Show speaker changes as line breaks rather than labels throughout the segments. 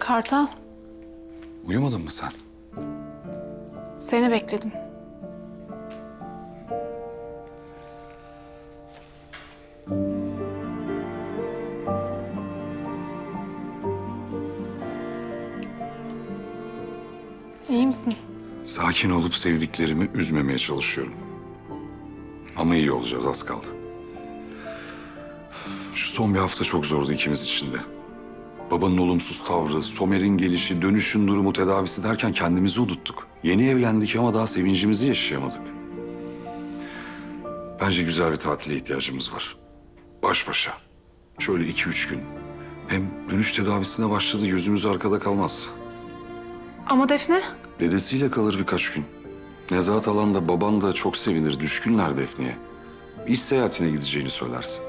Kartal,
Uyumadın mı sen?
seni bekledim. İyi misin?
Sakin olup sevdiklerimi üzmemeye çalışıyorum. Ama iyi olacağız, az kaldı. Şu son bir hafta çok zordu ikimiz için de. Babanın olumsuz tavrı, Somer'in gelişi, dönüşün durumu, tedavisi derken kendimizi unuttuk. Yeni evlendik ama daha sevincimizi yaşayamadık. Bence güzel bir tatile ihtiyacımız var. Baş başa. Şöyle 2-3 gün. Hem dönüş tedavisine başladı, yüzümüz arkada kalmaz.
Ama Defne,
Dedesiyle kalır birkaç gün. Nezahat alan da baban da çok sevinir, düşkünler Defne'ye. İş seyahatine gideceğini söylersin.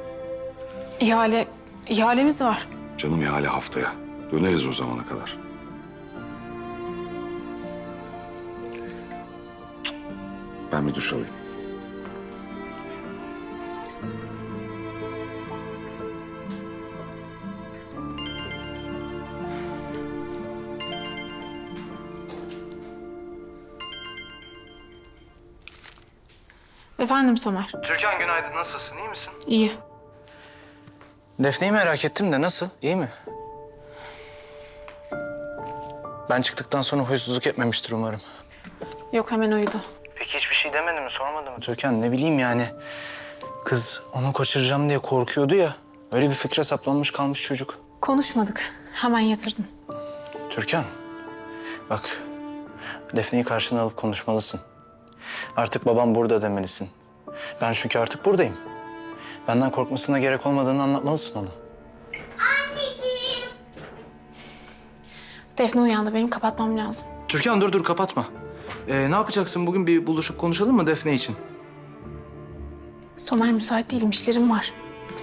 ihalemiz var.
Canım ihale haftaya. Döneriz o zamana kadar. Ben bir duş alayım.
Efendim Somer,
Türkan günaydın. Nasılsın? İyi misin?
iyi.
Defne'yi merak ettim de nasıl? İyi mi? Ben çıktıktan sonra huysuzluk etmemiştir umarım.
Yok, hemen uyudu.
Peki hiçbir şey demedi mi? Sormadı mı? Türkan ne bileyim yani. Kız onu kaçıracağım diye korkuyordu ya. Öyle bir fikre saplanmış kalmış çocuk.
Konuşmadık, hemen yatırdım.
Türkan bak Defne'yi karşına alıp konuşmalısın. Artık babam burada demelisin. Ben çünkü artık buradayım. Benden korkmasına gerek olmadığını anlatmalısın ona.
Defne uyandı, benim kapatmam lazım.
Türkan dur kapatma. Ne yapacaksın bugün bir buluşup konuşalım mı Defne için?
Somer müsait değilim, işlerim var.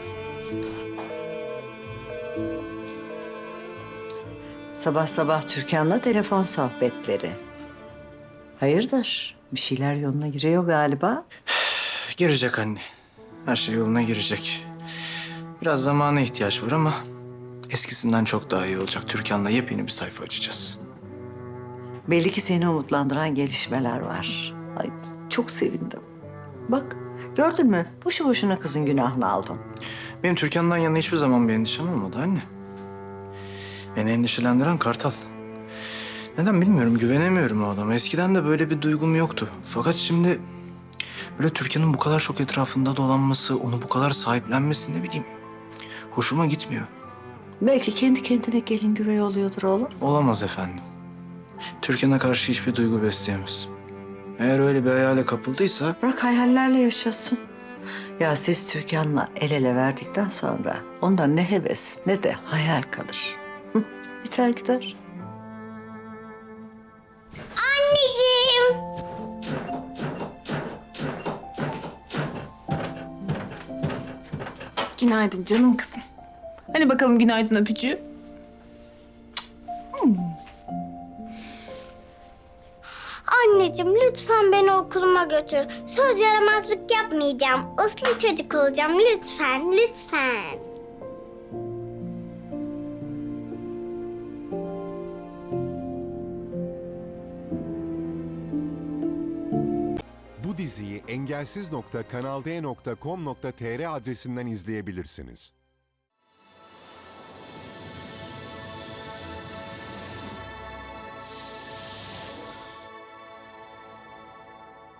Sabah sabah Türkan'la telefon sohbetleri. Hayırdır? Bir şeyler yoluna giriyor galiba.
Girecek anne. Her şey yoluna girecek. Biraz zamana ihtiyaç var ama eskisinden çok daha iyi olacak. Türkan'la yepyeni bir sayfa açacağız.
Belli ki seni umutlandıran gelişmeler var. Ay çok sevindim. Bak gördün mü? Boşu boşuna kızın günahını aldın.
Benim Türkan'dan yana hiçbir zaman bir endişem olmadı anne. Beni endişelendiren Kartal. Neden bilmiyorum, güvenemiyorum o adama. Eskiden de böyle bir duygum yoktu. Fakat şimdi böyle Türkan'ın bu kadar çok etrafında dolanması, onu bu kadar sahiplenmesi ne bileyim hoşuma gitmiyor.
Belki kendi kendine gelin güvey oluyordur oğlum.
Olamaz efendim. Türkan'a karşı hiçbir duygu besleyemez. Eğer öyle bir hayale kapıldıysa
Bırak hayallerle yaşasın. Ya siz Türkan'la el ele verdikten sonra ondan ne heves ne de hayal kalır. Hı, biter gider.
Anneciğim.
Günaydın canım kızım. Hani bakalım günaydın öpücüğü?
Anneciğim lütfen beni okuluma götür. Söz yaramazlık yapmayacağım. Uslu çocuk olacağım lütfen, lütfen.
Bu diziyi engelsiz.kanalde.com.tr adresinden izleyebilirsiniz.